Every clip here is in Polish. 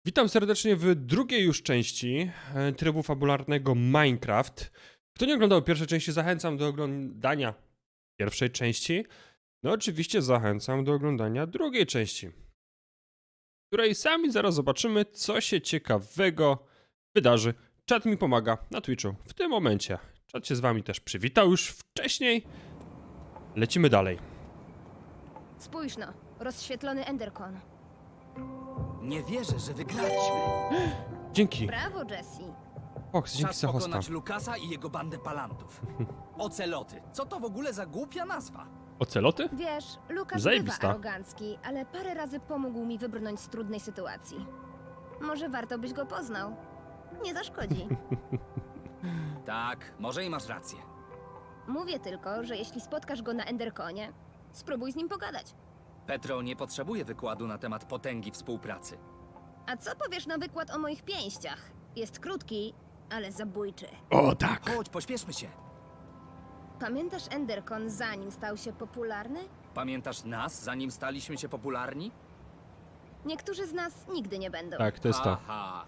Witam serdecznie w drugiej już części trybu fabularnego Minecraft. Kto nie oglądał pierwszej części, zachęcam do oglądania pierwszej części. No oczywiście zachęcam do oglądania drugiej części, w której sami zaraz zobaczymy, co się ciekawego wydarzy. Czat mi pomaga na Twitchu w tym momencie. Czat się z wami też przywitał już wcześniej. Lecimy dalej. Spójrz no, rozświetlony Endercon. Nie wierzę, że wygraliśmy. Dzięki. Brawo, Jesse. Fox, dzięki Czas za hosta. pokonać Lukasa i jego bandę palantów. Oceloty. Co to w ogóle za głupia nazwa? Oceloty? Wiesz, Lukas Zajebista. bywa arogancki, ale parę razy pomógł mi wybrnąć z trudnej sytuacji. Może warto byś go poznał. Nie zaszkodzi. Tak, może i masz rację. Mówię tylko, że jeśli spotkasz go na Enderconie, spróbuj z nim pogadać. Petro nie potrzebuje wykładu na temat potęgi współpracy. A co powiesz na wykład o moich pięściach? Jest krótki, ale zabójczy. O tak. Chodź, pośpieszmy się. Pamiętasz Endercon zanim stał się popularny? Pamiętasz nas, zanim staliśmy się popularni? Niektórzy z nas nigdy nie będą. Tak, to jest to. Aha.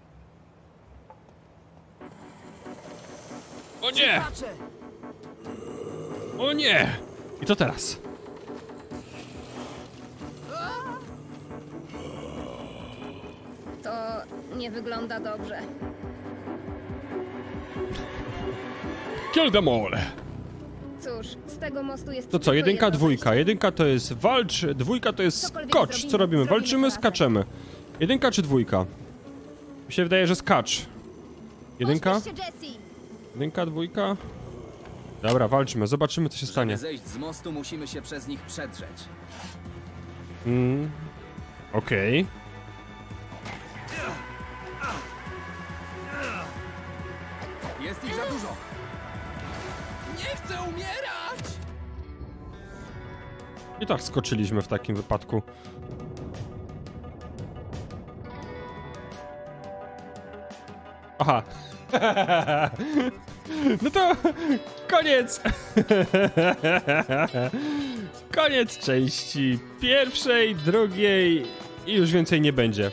O nie! Patrzę. O nie! I co teraz? To nie wygląda dobrze. Kill them all! Cóż, z tego mostu jest To co, tylko jedynka, jedno dwójka. wyjście. Jedynka to jest walcz, dwójka to jest Cokolwiek skocz. zrobimy, Co robimy? zrobimy Walczymy, to razem. skaczemy. Jedynka czy dwójka? Mi się wydaje, że skacz. Jedynka? Pośpieszcie, Jesse! Jedynka, dwójka? Dobra, walczymy, zobaczymy co się Żeby stanie. zejść z mostu, musimy się przez nich przedrzeć. Okej. Jest ich za dużo. Nie chcę umierać! I tak skoczyliśmy w takim wypadku. Aha. No to koniec. Koniec części pierwszej, drugiej i już więcej nie będzie.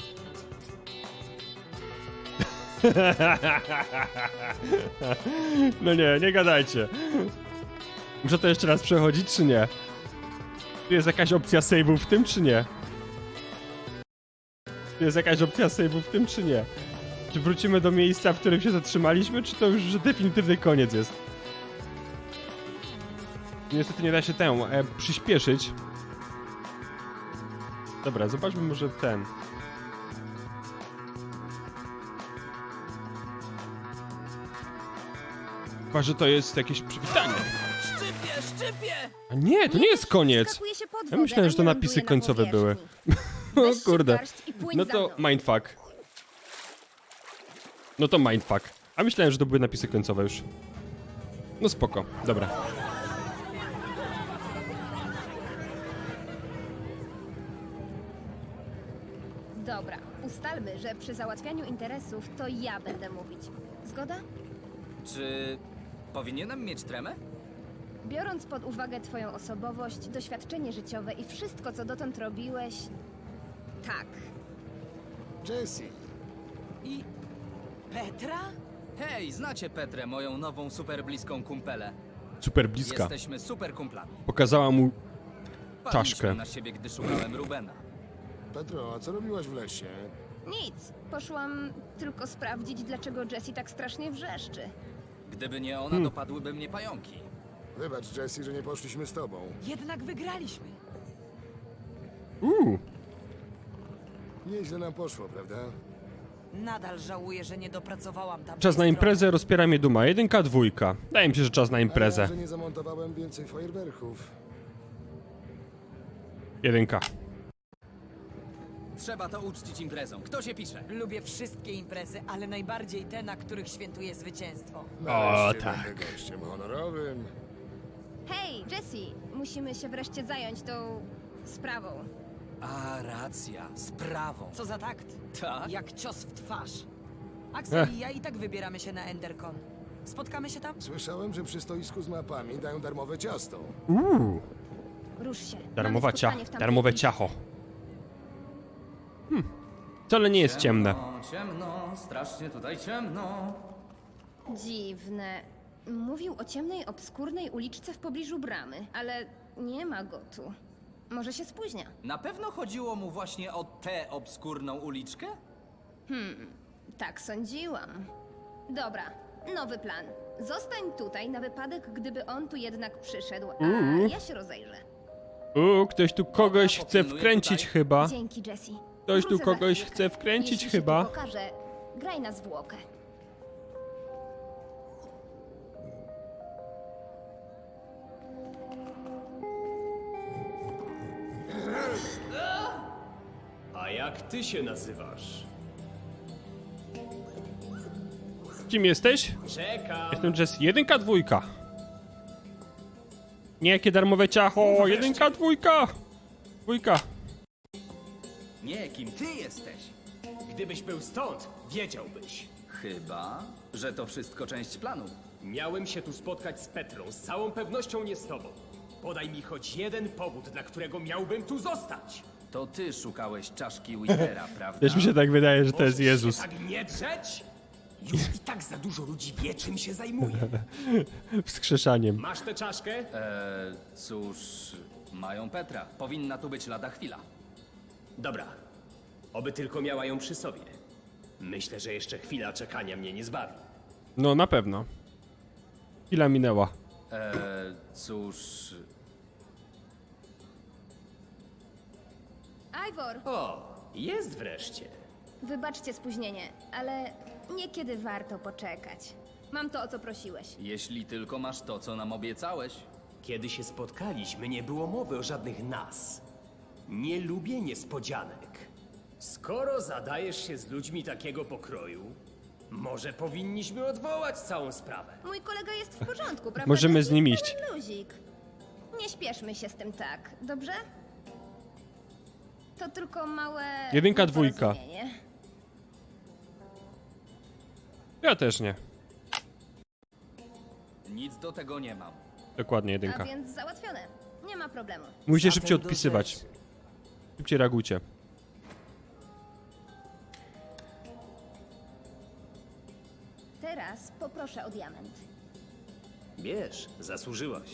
No nie gadajcie. Muszę to jeszcze raz przechodzić, czy nie? Tu jest jakaś opcja save'u w tym, czy nie? Tu jest jakaś opcja save'u w tym, czy nie? Czy wrócimy do miejsca, w którym się zatrzymaliśmy, czy to już definitywny koniec jest? Niestety nie da się przyspieszyć. Dobra, zobaczmy może ten. Chyba, że to jest jakieś przywitanie. Szczypie! A nie, to nie jest koniec. Skakuje się pod Ja wodę, myślałem, a że to nie napisy ląduje na końcowe były. powierzchni. O Weź się w kurde. garść i płyń No za to mną. mindfuck. No to mindfuck. A myślałem, że to były napisy końcowe już. No spoko, dobra. Dobra, ustalmy, że przy załatwianiu interesów to ja będę mówić. Zgoda? Czy powinienem mieć tremę? Biorąc pod uwagę twoją osobowość, doświadczenie życiowe i wszystko, co dotąd robiłeś... Tak. Jessie, I... Petra? Hej, znacie Petrę, moją nową super bliską kumpelę. Super bliska. Jesteśmy super kumplami. Pokazała mu Wpadliśmy czaszkę. na siebie, gdy szukałem Rubena. Petro, a co robiłaś w lesie? Nic. Poszłam tylko sprawdzić, dlaczego Jessie tak strasznie wrzeszczy. Gdyby nie ona, dopadłyby mnie pająki. Wybacz, Jessie, że nie poszliśmy z tobą. Jednak wygraliśmy. Nieźle nam poszło, prawda? Nadal żałuję, że nie dopracowałam tam. Czas na imprezę, rozpiera mnie duma. Jedynka, dwójka. Wydaje mi się, że czas na A ja, imprezę. że nie zamontowałem więcej fajerwerków. Jedynka. Trzeba to uczcić imprezą. Kto się pisze? Lubię wszystkie imprezy, ale najbardziej te, na których świętuję zwycięstwo. Nareszcie tak. będę gościem honorowym. Hej, Jessie! Musimy się wreszcie zająć tą... sprawą. A, racja. Sprawą. Co za takt? Tak? Jak cios w twarz. Axel i ja i tak wybieramy się na Endercon. Spotkamy się tam? Słyszałem, że przy stoisku z mapami dają darmowe ciasto. Rusz się. Darmowa Mamy spotkanie w tamtej darmowe chwili. ciacho. Wcale nie jest ciemne. Ciemno, strasznie tutaj ciemno. Dziwne. Mówił o ciemnej, obskurnej uliczce w pobliżu bramy, ale nie ma go tu. Może się spóźnia. Na pewno chodziło mu właśnie o tę obskurną uliczkę? Tak sądziłam. Dobra, nowy plan. Zostań tutaj na wypadek, gdyby on tu jednak przyszedł, a ja się rozejrzę. Ktoś tu kogoś chce wkręcić tutaj. chyba. Dzięki, Jessie. Ktoś tu Wrócę za kogoś chwilkę. chce wkręcić Jeśli chyba. Się tu pokaże, graj na zwłokę. A jak ty się nazywasz? Kim jesteś? Czekam. Jestem Jess. 1, 2. Nie, jakie darmowe ciacho. 1, 2. 2. Nie, kim ty jesteś? Gdybyś był stąd, wiedziałbyś. Chyba, że to wszystko część planu. Miałem się tu spotkać z Petrą, z całą pewnością nie z tobą. Podaj mi choć jeden powód, dla którego miałbym tu zostać. To ty szukałeś czaszki Withera, prawda? Też mi się tak wydaje, że to jest Możesz Jezus. się tak nie drzeć? Już i tak za dużo ludzi wie, czym się zajmuje. Wskrzeszaniem. Masz tę czaszkę? Cóż, mają Petra. Powinna tu być lada chwila. Dobra. Oby tylko miała ją przy sobie. Myślę, że jeszcze chwila czekania mnie nie zbawi. No, na pewno. Chwila minęła. Cóż, Ivor, O, jest wreszcie. wybaczcie spóźnienie, ale niekiedy warto poczekać. Mam to, o co prosiłeś. jeśli tylko masz to, co nam obiecałeś. Kiedy się spotkaliśmy, nie było mowy o żadnych nas. Nie lubię niespodzianek. Skoro zadajesz się z ludźmi takiego pokroju, może powinniśmy odwołać całą sprawę. Mój kolega jest w porządku, prawda? Możemy Jessie? z nim iść. Pełen luzik. Nie śpieszmy się z tym tak, dobrze? To tylko małe... 1, 2. nieporozumienie. Ja też nie. Nic do tego nie mam. Dokładnie 1. A więc załatwione. Nie ma problemu. Musicie Zatem szybciej do odpisywać. rzeczy. Szybciej reagujcie. Teraz poproszę o diament. Wiesz, zasłużyłaś.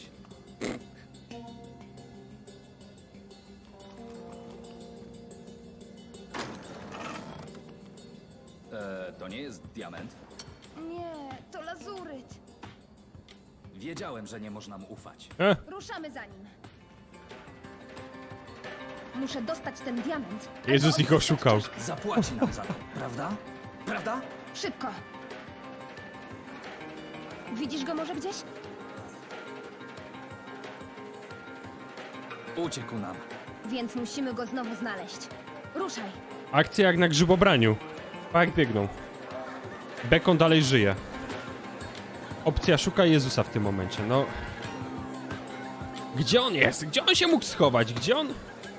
To nie jest diament. Nie, to lazuryt. Wiedziałem, że nie można mu ufać. Ruszamy za nim. Muszę dostać ten diament. Jezus albo ich oszukał. Zapłaci nam za to, prawda? Prawda? Szybko. Widzisz go może gdzieś? Uciekł nam. Więc musimy go znowu znaleźć. Ruszaj. Akcja jak na grzybobraniu. Jak biegną. Bekon dalej żyje. Opcja szuka Jezusa w tym momencie, no. Gdzie on jest? Gdzie on się mógł schować? Gdzie on?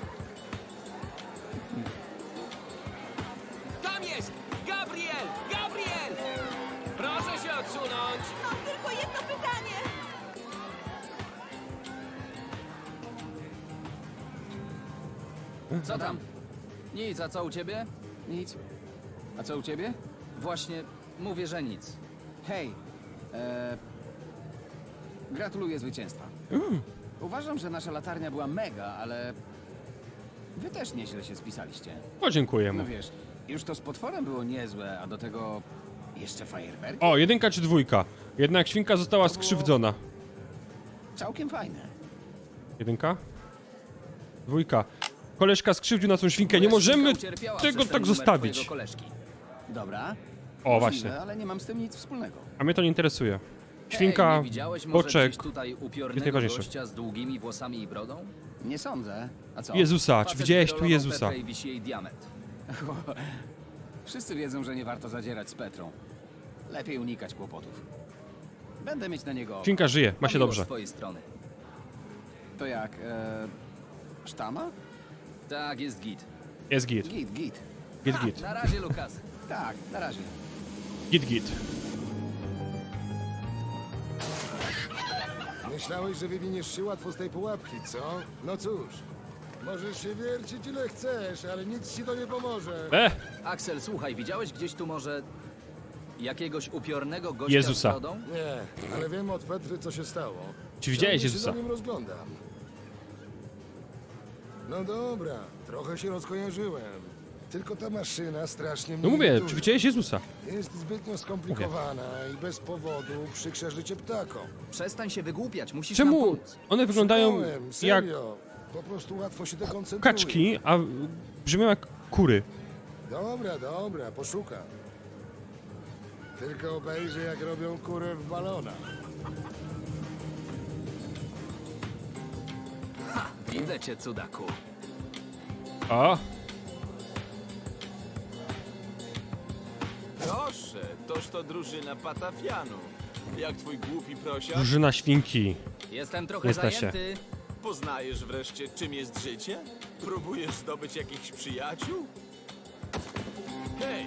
Tam jest! Gabriel! Gabriel! Proszę się odsunąć! Mam tylko jedno pytanie. Co tam? Nic, a co u ciebie? Nic. A co u ciebie? Właśnie, mówię, że nic. Hej, gratuluję zwycięstwa. Uważam, że nasza latarnia była mega, ale wy też nieźle się spisaliście. O, dziękuję No mu. wiesz, już to z potworem było niezłe, a do tego jeszcze fajerwerki. O, 1 czy 2? Jednak świnka została skrzywdzona. Całkiem fajne. 1? 2. Koleżka skrzywdził naszą świnkę. Nie możemy Ucierpiała tego przez ten tak numer zostawić. twojego koleżki. Dobra. O, możliwe, właśnie. ale nie mam z tym nic wspólnego. A mnie to nie interesuje. Hej, Świnka, nie widziałeś może boczek. gdzieś tutaj jest upiornego najważniejsze. gościa z długimi włosami i brodą? Nie sądzę. A co? Jezusa, czy Facet widziałeś tu wyrolował Jezusa? Petrę i wisi jej diament. Wszyscy wiedzą, że nie warto zadzierać z Petrą. Lepiej unikać kłopotów. Będę mieć na niego oko. Świnka żyje, ma się Miło dobrze. z twojej strony. To jak, sztama? Tak, jest git. Jest git. Git, git. Git, git. Na razie, Lukas. Tak, na razie. Git, git. Myślałeś, że wywiniesz się łatwo z tej pułapki, co? No cóż, Możesz się wiercić ile chcesz, ale nic ci to nie pomoże. Axel, słuchaj, widziałeś gdzieś tu może jakiegoś upiornego gościa Jezusa. z brodą? Nie, ale wiem od Petry, co się stało. Czy widziałeś Ciągle się Jezusa? za nim rozglądam. No dobra, trochę się rozkojarzyłem. Tylko ta maszyna strasznie mnie No mówię, irytuje. czy widziałeś Jezusa? Jest zbytnio skomplikowana i bez powodu przykrza życie ptakom. Przestań się wygłupiać, musisz nam Czemu pomóc. one wyglądają Szukałem, jak serio. Po prostu łatwo się dekoncentruje. kaczki, a brzmią jak kury? Dobra, poszukam. Tylko obejrzę, jak robią kurę w balonach. Widzę cię, cudaku. O, Proszę, toż to drużyna Patafianów. Jak twój głupi prosiak? drużyna świnki. Jestem trochę Jesteście. zajęty. Poznajesz wreszcie, czym jest życie? Próbujesz zdobyć jakichś przyjaciół? Hej,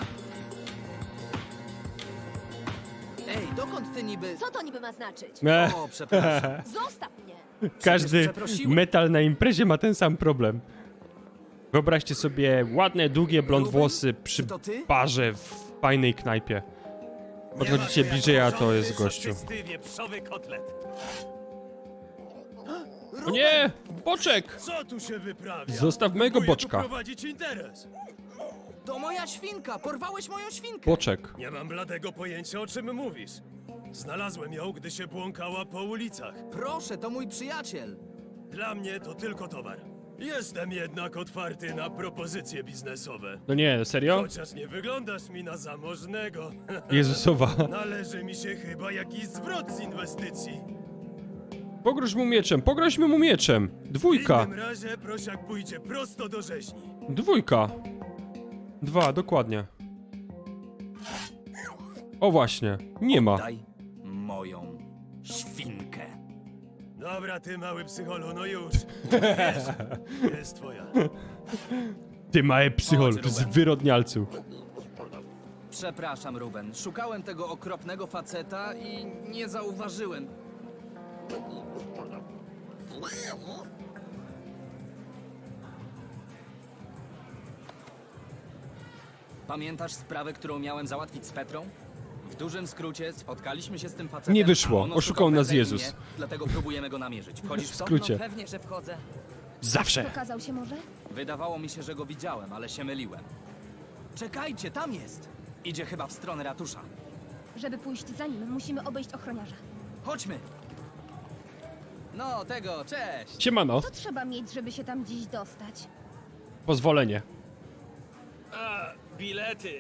Ej, dokąd ty niby... Co to niby ma znaczyć? O, przepraszam. Zostaw mnie! Każdy przeprosiłem. metal na imprezie ma ten sam problem. Wyobraźcie sobie ładne, długie blond Ruben? włosy przy Czy to ty? barze w fajnej knajpie. Podchodzicie bliżej, a to jest gościu. wieprzowy kotlet. O nie! Boczek! Co tu się wyprawia? Zostaw mojego boczka. prowadzić interes. To moja świnka! Porwałeś moją świnkę! Boczek. Nie mam bladego pojęcia, o czym mówisz. Znalazłem ją, gdy się błąkała po ulicach. Proszę, to mój przyjaciel. Dla mnie to tylko towar. Jestem jednak otwarty na propozycje biznesowe. No nie, serio? Chociaż nie wyglądasz mi na zamożnego. Jezusowa. Należy mi się chyba jakiś zwrot z inwestycji. Pogroźmy mu mieczem. W Dwójka. innym razie prosiak pójdzie prosto do rzeźni. Dwójka. 2, dokładnie. O właśnie, nie ma. Daj moją świnkę. Dobra, ty mały psycholu, no już. Wiesz, jest twoja. Ty małe psychol, Chodź, Ruben. zwyrodnialcu. Przepraszam, Ruben. Szukałem tego okropnego faceta i nie zauważyłem. Pamiętasz sprawę, którą miałem załatwić z Petrą? W dużym skrócie spotkaliśmy się z tym facetem. Nie wyszło. a on Oszukał nas Petrę i Jezus. mnie, dlatego próbujemy go namierzyć. Wchodzisz w to? skrócie. No pewnie, że wchodzę. Zawsze. Pokazał się może? Wydawało mi się, że go widziałem, ale się myliłem. Czekajcie, tam jest! Idzie chyba w stronę ratusza. Żeby pójść za nim, musimy obejść ochroniarza. Chodźmy! No, tego, cześć! Siemano. Co trzeba mieć, żeby się tam dziś dostać? Pozwolenie. A, bilety.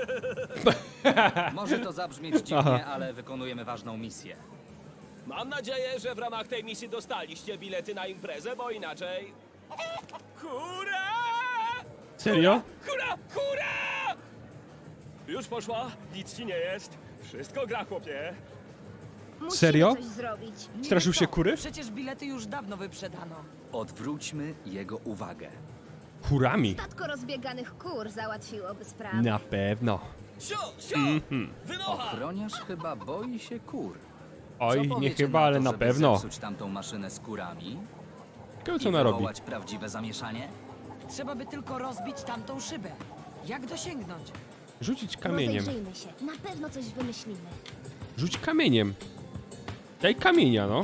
Może to zabrzmieć dziwnie, ale wykonujemy ważną misję. Mam nadzieję, że w ramach tej misji dostaliście bilety na imprezę, bo inaczej... Hurra! Serio? Hurra! Hurra! Już poszła, nic ci nie jest. Wszystko gra, chłopie. Musimy Serio? coś zrobić. Straszył się kury? Przecież bilety już dawno wyprzedano. Odwróćmy jego uwagę. Kurami. Statko rozbieganych kur załatwiłoby sprawę. Na pewno. Sio! Wynocha! Ochroniarz chyba boi się kur. Oj, Co nie powiecie chyba, na ale to, na żeby pewno. zepsuć tamtą maszynę z kurami Ciekawe, co i ona robi. wywołać prawdziwe zamieszanie? Trzeba by tylko rozbić tamtą szybę. Jak dosięgnąć? Rzucić kamieniem. Rozejrzyjmy się. Na pewno coś wymyślimy. Rzuć kamieniem. Daj kamienia, no.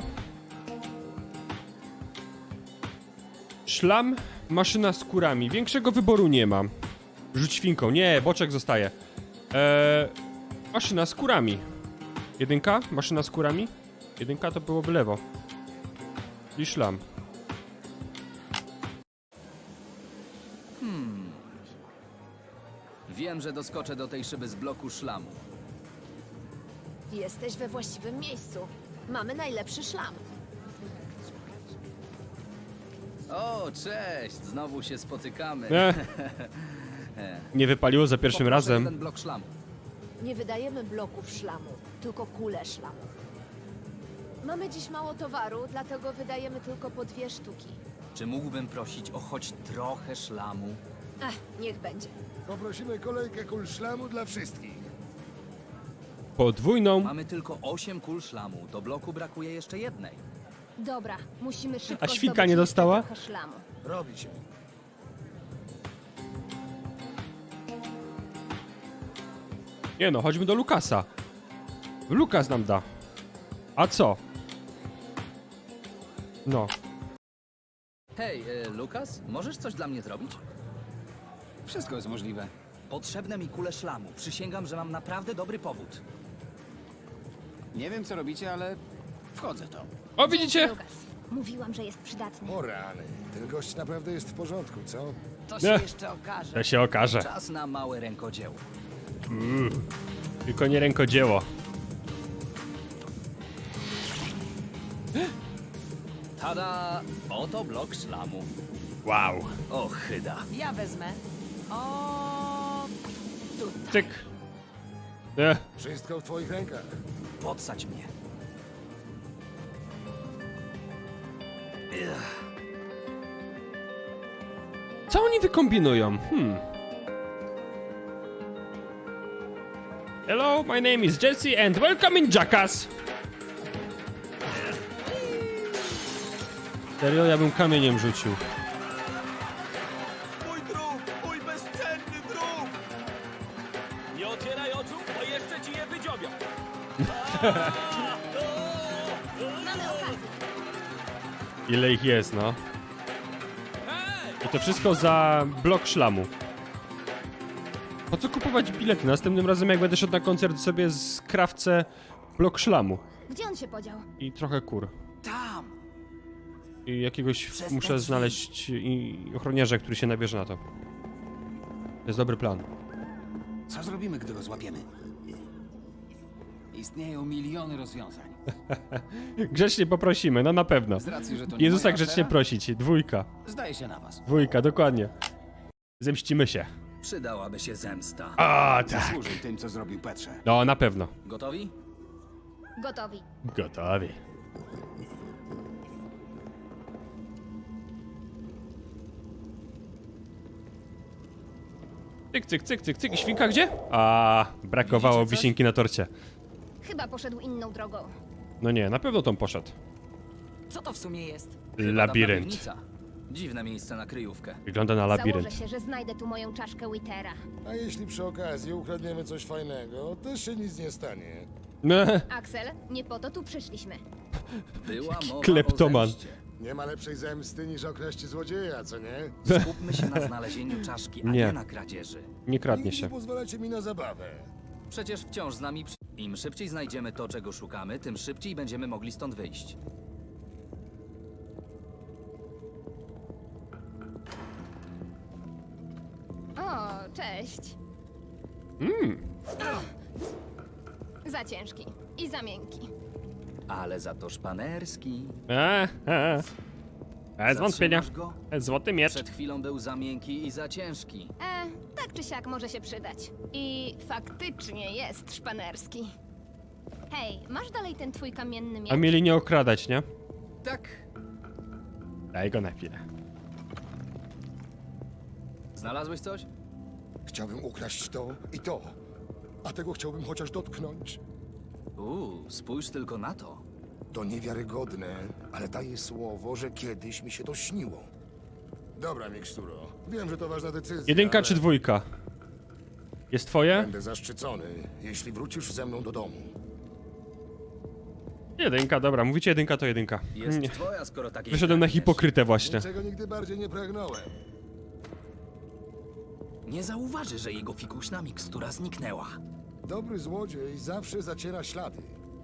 Szlam, maszyna z kurami. Większego wyboru nie mam. Rzuć świnką. Nie, boczek zostaje. Maszyna z kurami. Jedynka? Maszyna z kurami? Jedynka to byłoby lewo. I szlam. Wiem, że doskoczę do tej szyby z bloku szlamu. Jesteś we właściwym miejscu. Mamy najlepszy szlam. O, cześć! Znowu się spotykamy. Nie wypaliło za pierwszym Poproszę razem. jeden blok szlamu. Nie wydajemy bloków szlamu, tylko kule szlamu. Mamy dziś mało towaru, dlatego wydajemy tylko po 2 sztuki. Czy mógłbym prosić o choć trochę szlamu? Niech będzie. Poprosimy kolejkę kul szlamu dla wszystkich. Podwójną. Mamy tylko 8 kul szlamu. Do bloku brakuje jeszcze jednej. Dobra, musimy szybko A świnka zdobyć nie jeszcze dostała? trochę szlamu. Robi się. Nie no, chodźmy do Lukasa. Lukas nam da. A co? No. Hej, Lukas, możesz coś dla mnie zrobić? Wszystko jest możliwe. Potrzebne mi kule szlamu. Przysięgam, że mam naprawdę dobry powód. Nie wiem, co robicie, ale wchodzę w to. O, widzicie? Lukas. Mówiłam, że jest przydatny. O rany, ten gość naprawdę jest w porządku, co? To się Nie. jeszcze okaże. To się okaże. Czas na małe rękodzieło. Tylko nie rękodzieło. Tada! Oto blok szlamu. Wow. O, chyda. Ja wezmę. O, tutaj. Cyk. E, Wszystko w twoich rękach. Podsadź mnie. co oni wykombinują? Hello, my name is Jesse and welcome in Jackass. Serio, ja bym kamieniem rzucił. Mój drób! Mój bezcenny drób! Nie otwieraj oczu, bo jeszcze ci je wydziobią! Mamy okazję. Ile ich jest, no. I to wszystko za blok szlamu. Po co kupować bilety? Następnym razem jak będę szedł na koncert sobie skrawcę blok szlamu. Gdzie on się podział? I trochę kur. Tam! I jakiegoś Przez te muszę drzwi. znaleźć ochroniarza, który się nabierze na to. To jest dobry plan. Co zrobimy, gdy go złapiemy? Istnieją miliony rozwiązań. Grzecznie poprosimy, no na pewno. Z racji, że to nie Jezusa moja grzecznie afera, prosić. Dwójka. zdaje się na was. Dwójka, dokładnie. Zemścimy się. Przydałaby się zemsta. A, tak. Służył tym, co zrobił Petrze. No, na pewno. Gotowi? Gotowi. Gotowi. Cyk, cyk, cyk, cyk, cyk. I świnka gdzie? A, brakowało Widzicie coś? wisienki na torcie. Chyba poszedł inną drogą. No nie, na pewno tą poszedł. Co to w sumie jest? Chyba Labirynt. dawna piwnica. Dziwne miejsce na kryjówkę. Wygląda na labirynt. Założę się, że znajdę tu moją czaszkę Wittera. A jeśli przy okazji ukradniemy coś fajnego, też się nic nie stanie. No, Axel, nie po to tu przyszliśmy. Była mowa kleptoman. o zemście. Nie ma lepszej zemsty niż okraść złodzieja, co nie? Skupmy się na znalezieniu czaszki, a Nie. nie na kradzieży. nie kradnie Nigdy się. nie pozwalacie mi na zabawę. Przecież wciąż z nami... Im szybciej znajdziemy to, czego szukamy, tym szybciej będziemy mogli stąd wyjść. O, cześć. Za ciężki i za miękki. Ale za to szpanerski. Bez wątpienia. Zatrzymasz go? Złoty miecz. Przed chwilą był za miękki i za ciężki. Tak czy siak może się przydać. I faktycznie jest szpanerski. Hej, masz dalej ten twój kamienny miecz? A mieli nie okradać, nie? Tak. Daj go na chwilę. Znalazłeś coś? Chciałbym ukraść to i to. A tego chciałbym chociaż dotknąć. Spójrz tylko na to. To niewiarygodne, ale daję słowo, że kiedyś mi się to śniło. Dobra, Miksturo. Wiem, że to ważna decyzja. Jedynka ale czy dwójka? Jest twoje? Będę zaszczycony, jeśli wrócisz ze mną do domu. Jedynka, dobra. Mówicie jedynka, to jedynka. Jest Nie. twoja, skoro takiej Wyszedłem na pragniesz. hipokrytę właśnie. Niczego nigdy bardziej nie pragnąłem. Nie zauważy, że jego fikuśna mikstura zniknęła. Dobry złodziej zawsze zaciera ślady.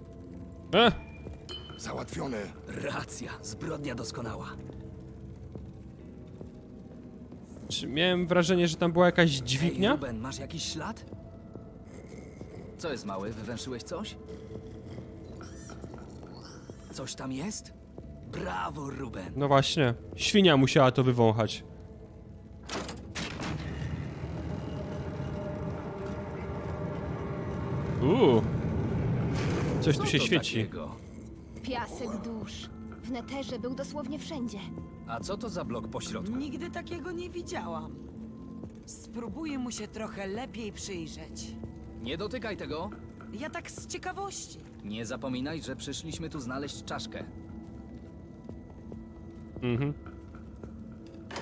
Załatwione. Racja, zbrodnia doskonała. Czy miałem wrażenie, że tam była jakaś Hej, dźwignia? Ruben, masz jakiś ślad? Co jest mały? Wywęszyłeś coś? Coś tam jest? Brawo, Ruben. No właśnie. Świnia musiała to wywąchać. Coś tu Co się to świeci. takiego? Piasek dusz. W neterze był dosłownie wszędzie. A co to za blok pośrodku? Nigdy takiego nie widziałam. Spróbuję mu się trochę lepiej przyjrzeć. Nie dotykaj tego. Ja tak z ciekawości. Nie zapominaj, że przyszliśmy tu znaleźć czaszkę. Mhm.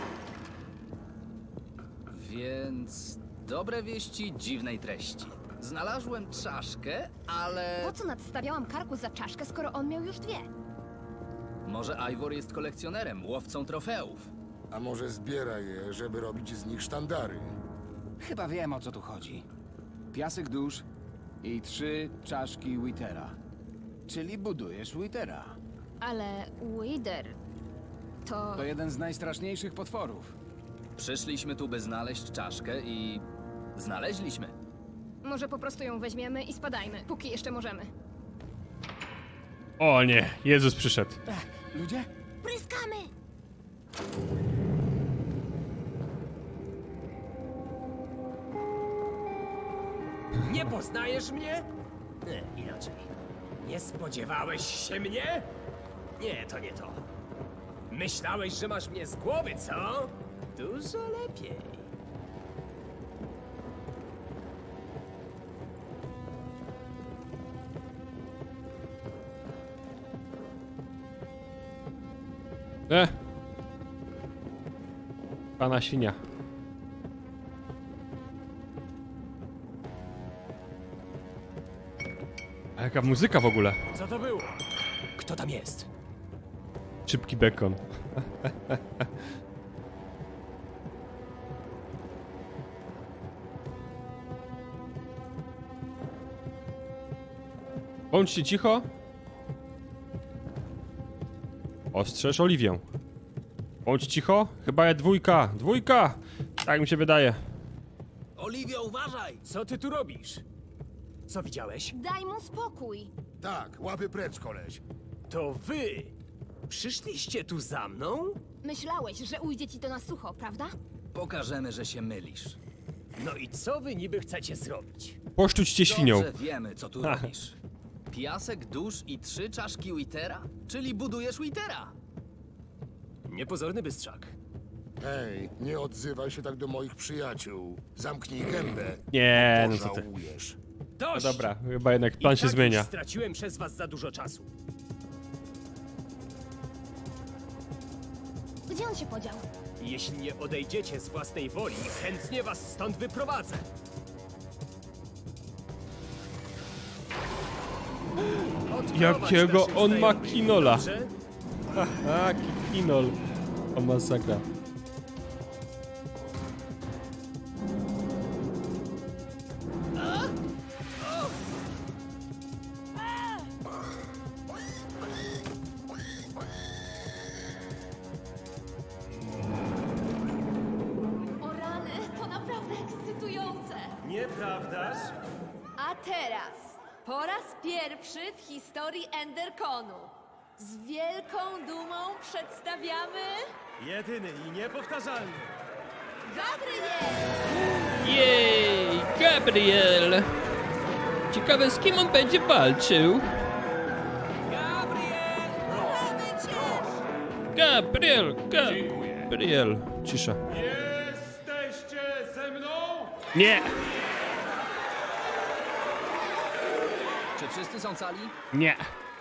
Więc dobre wieści dziwnej treści. Znalazłem czaszkę, ale Po co nadstawiałam karku za czaszkę, skoro on miał już 2? może Ivor jest kolekcjonerem, łowcą trofeów. A może zbiera je, żeby robić z nich sztandary? Chyba wiem, o co tu chodzi. Piasek dusz i 3 czaszki Witera. Czyli budujesz Witera. Ale Wither to... To jeden z najstraszniejszych potworów. Przyszliśmy tu, by znaleźć czaszkę i znaleźliśmy. Może po prostu ją weźmiemy i spadajmy, póki jeszcze możemy. O nie, Jezus przyszedł. Ludzie? Pryskamy! Nie poznajesz mnie? Nie, inaczej. Nie spodziewałeś się mnie? Nie, to nie to. Myślałeś, że masz mnie z głowy, co? Dużo lepiej. Pana świnia. A jaka muzyka w ogóle? Co to było? Kto tam jest? Szybki bekon. Bądźcie cicho. Ostrzeż Oliwię. Bądź cicho. Chyba jest 2. 2! Tak mi się wydaje. Oliwia, uważaj! Co ty tu robisz? Co widziałeś? Daj mu spokój! Tak, łapy precz, koleś. To wy! Przyszliście tu za mną? Myślałeś, że ujdzie ci to na sucho, prawda? Pokażemy, że się mylisz. No i co wy niby chcecie zrobić? Poszczuć cię świnią. Dobrze wiemy, co tu robisz. Piasek dusz i 3 czaszki Witera? Czyli budujesz Witera. Niepozorny bystrzak. Hej, nie odzywaj się tak do moich przyjaciół. Zamknij gębę. Nie, no co ty. Pożałujesz. No Dość! dobra, chyba jednak plan I się tak zmienia. Już straciłem przez was za dużo czasu. Gdzie on się podział? Jeśli nie odejdziecie z własnej woli, chętnie was stąd wyprowadzę. Odprowadź Jakiego naszych on ma znajomych, kinola. dobrze? A, kinol. O masakra. O rany, to naprawdę ekscytujące. Nieprawdaż? A teraz, po raz pierwszy w historii Enderconu, z wielką dumą przedstawiamy Jedyny i niepowtarzalny. Gabriel! Jej, Gabriel! Ciekawe, z kim on będzie walczył? Gabriel! Gabriel! Cisza. Jesteście ze mną? Nie! Czy wszyscy są cali? Nie!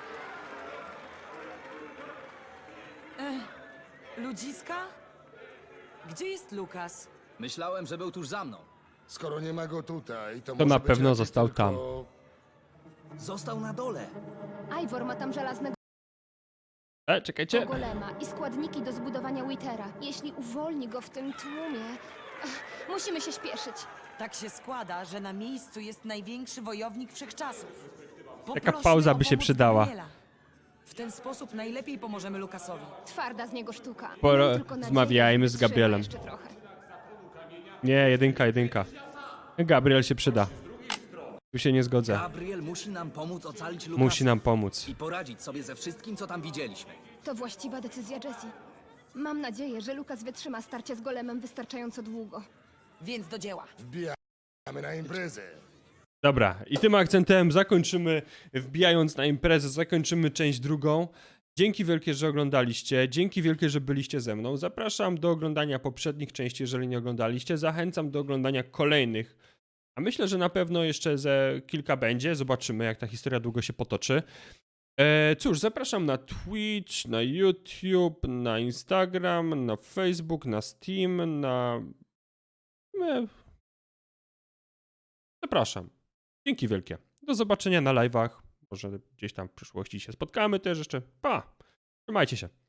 Ludziska? Gdzie jest Lukas? Myślałem, że był tuż za mną. Skoro nie ma go tutaj, to To może na być pewno raczej został tylko... tam. Został na dole. Ivor ma tam żelaznego Czekajcie. golema i składniki do zbudowania Withera. Jeśli uwolni go w tym tłumie... musimy się śpieszyć. Tak się składa, że na miejscu jest największy wojownik wszechczasów. Taka Poprośmy pauza o by się pomoc przydała. Gabriela. W ten sposób najlepiej pomożemy Lukasowi. Twarda z niego sztuka. Pora- Mam tylko nadzieję, zmawiajmy że z Gabrielem. wytrzyma jeszcze trochę. Nie, jedynka. Gabriel się przyda. Tu się nie zgodzę. Gabriel musi nam pomóc ocalić Lukasa. Musi nam pomóc. I poradzić sobie ze wszystkim, co tam widzieliśmy. To właściwa decyzja Jessie. Mam nadzieję, że Lukas wytrzyma starcie z golemem wystarczająco długo. Więc do dzieła. Wbijamy na imprezę. Dobra, i tym akcentem zakończymy, wbijając na imprezę, zakończymy część drugą. Dzięki wielkie, że oglądaliście, dzięki wielkie, że byliście ze mną. Zapraszam do oglądania poprzednich części, jeżeli nie oglądaliście. Zachęcam do oglądania kolejnych. A myślę, że na pewno jeszcze ze kilka będzie. Zobaczymy, jak ta historia długo się potoczy. Cóż, zapraszam na Twitch, na YouTube, na Instagram, na Facebook, na Steam, na Zapraszam. Dzięki wielkie. Do zobaczenia na live'ach. Może gdzieś tam w przyszłości się spotkamy też jeszcze. Pa! Trzymajcie się.